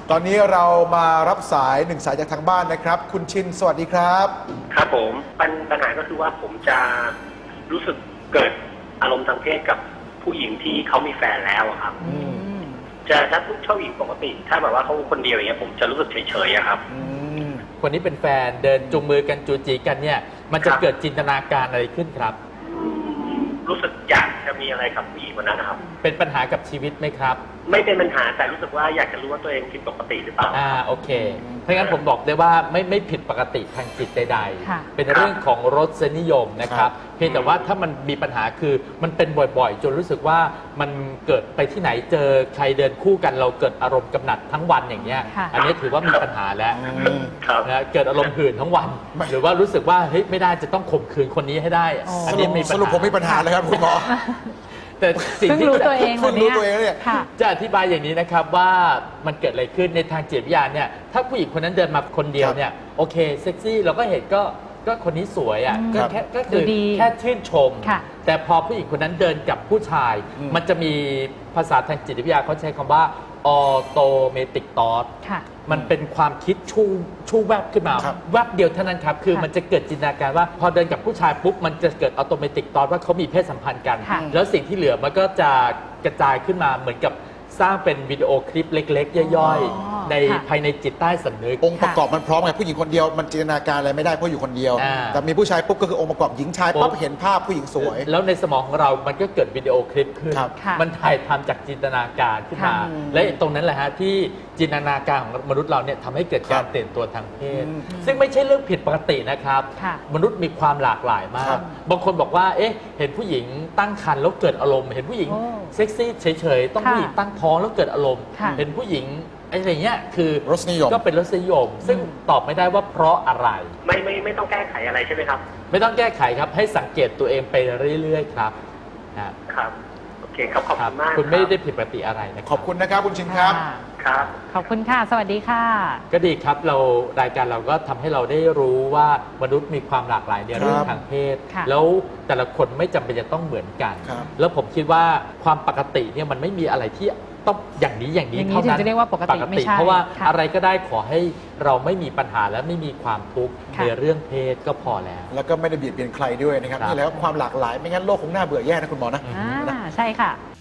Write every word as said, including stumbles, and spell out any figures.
ตอนนี้เรามารับสายหนึ่งสายจากทางบ้านนะครับคุณชินสวัสดีครับครับผมปัญปัญหาก็คือว่าผมจะรู้สึกเกิดอารมณ์ทางเพศกับผู้หญิงที่เขามีแฟนแล้วครับจะถ้าผู้ชอบหญิงปกติถ้าแบบว่าเขาคนเดียวอย่างเงี้ยผมจะรู้สึกเฉยๆครับคนนี้เป็นแฟนเดินจูงมือกันจูจีกันเนี่ยมันจะเกิดจินตนาการอะไรขึ้นครับรู้สึกอยากจะมีอะไรกับผู้หญิงคนนั้นนะครับเป็นปัญหากับชีวิตไหมครับไม่เป็นปัญหาแต่รู้สึกว่าอยากจะรู้ว่าตัวเองผิดปกติหรือเปล่าอ่าโอเคเพราะงั้นผมบอกได้ว่าไม่ไม่ผิดปกติทางจิตใดๆเป็นเรื่องของรสนิยมนะครับเพียงแต่ว่าถ้ามันมีปัญหาคือมันเป็นบ่อยๆจนรู้สึกว่ามันเกิดไปที่ไหนเจอใครเดินคู่กันเราเกิดอารมณ์กำหนัดทั้งวันอย่างเงี้ยอันนี้ถือว่ามีปัญหาแล้วนะเกิดอารมณ์หื่นทั้งวันหรือว่ารู้สึกว่าเฮ้ยไม่ได้จะต้องข่มขืนคนนี้ให้ได้อันนี้มีสรุปผมมีปัญหาเลยครับคุณหมอแต่สิ่งที่รู้ตัวเองเพิ่งรู้ตัวเองเนี่ยจะอธิบายอย่างนี้นะครับว่ามันเกิดอะไรขึ้นในทางจิตวิทยาเนี่ยถ้าผู้หญิงคนนั้นเดินมาคนเดียวเนี่ยโอเคเซ็กซี่เราก็เห็นก็ก็คนนี้สวยอ่ะก็แค่ก็คือแค่ชื่นชมแต่พอผู้หญิงคนนั้นเดินกับผู้ชายมันจะมีภาษาทางจิตวิทยาเขาใช้คำว่าออโตเมติกทอทมันเป็นความคิดชูชูแวบขึ้นมาแวบเดียวเท่านั้นครับคือมันจะเกิดจินตนาการว่าพอเดินกับผู้ชายปุ๊บมันจะเกิดออโตเมติกทอทว่าเขามีเพศสัมพันธ์กันแล้วสิ่งที่เหลือมันก็จะกระจายขึ้นมาเหมือนกับสร้างเป็นวิดีโอคลิปเล็กๆย่อยๆในภายในจิตใต้สำนึกองค์ประกอบมันพร้อมไงผู้หญิงคนเดียวมันจินตนาการอะไรไม่ได้เพราะอยู่คนเดียวแต่มีผู้ชายปุ๊บก็คือองค์ประกอบหญิงชายปั๊บเห็นภาพผู้หญิงสวยแล้วในสมองของเรามันก็เกิดวิดีโอคลิปขึ้นมันถ่ายทำจากจินตนาการขึ้นมาและตรงนั้นแหละฮะที่จินตนาการของมนุษย์เราเนี่ยทำให้เกิดการตื่นตัวทางเพศซึ่งไม่ใช่เรื่องผิดปกตินะครับมนุษย์มีความหลากหลายมากบางคนบอกว่าเอ๊ะเห็นผู้หญิงตั้งครรภ์แล้วเกิดอารมณ์เห็นผู้หญิงเซ็กซี่เฉยๆต้องผู้หญิงตั้งท้องแล้วเกิดอารมณ์เห็นผู้หญิงอะไรเงี้ยคือรสนิยมก็เป็นรสนิยมซึ่งตอบไม่ได้ว่าเพราะอะไรไม่ไม่ไม่ต้องแก้ไขอะไรใช่ไหมครับไม่ต้องแก้ไขครับให้สังเกตตัวเองไปเรื่อยๆครับครับโอเคครับขอบคุณมากคุณไม่ได้ผิดปกติอะไรนะขอบคุณนะครับคุณชินครับครับขอบคุณค่ะสวัสดีค่ะก็ดีครับเรารายการเราก็ทำให้เราได้รู้ว่ามนุษย์มีความหลากหลายในเรื่องทางเพศแล้วแต่ละคนไม่จำเป็นจะต้องเหมือนกันแล้วผมคิดว่าความปกติเนี่ยมันไม่มีอะไรที่ต้องอย่างนี้อย่างนี้เท่านั้นจะเรียกว่าปกติไม่ใช่เพราะว่าอะไรก็ได้ขอให้เราไม่มีปัญหาและไม่มีความทุกข์ในเรื่องเพศก็พอแล้วแล้วก็ไม่ได้เบียดเบียนใครด้วยนะครับนี่แหละความหลากหลายไม่งั้นโลกคงน่าเบื่อแย่นะคุณหมอนะใช่ค่ะ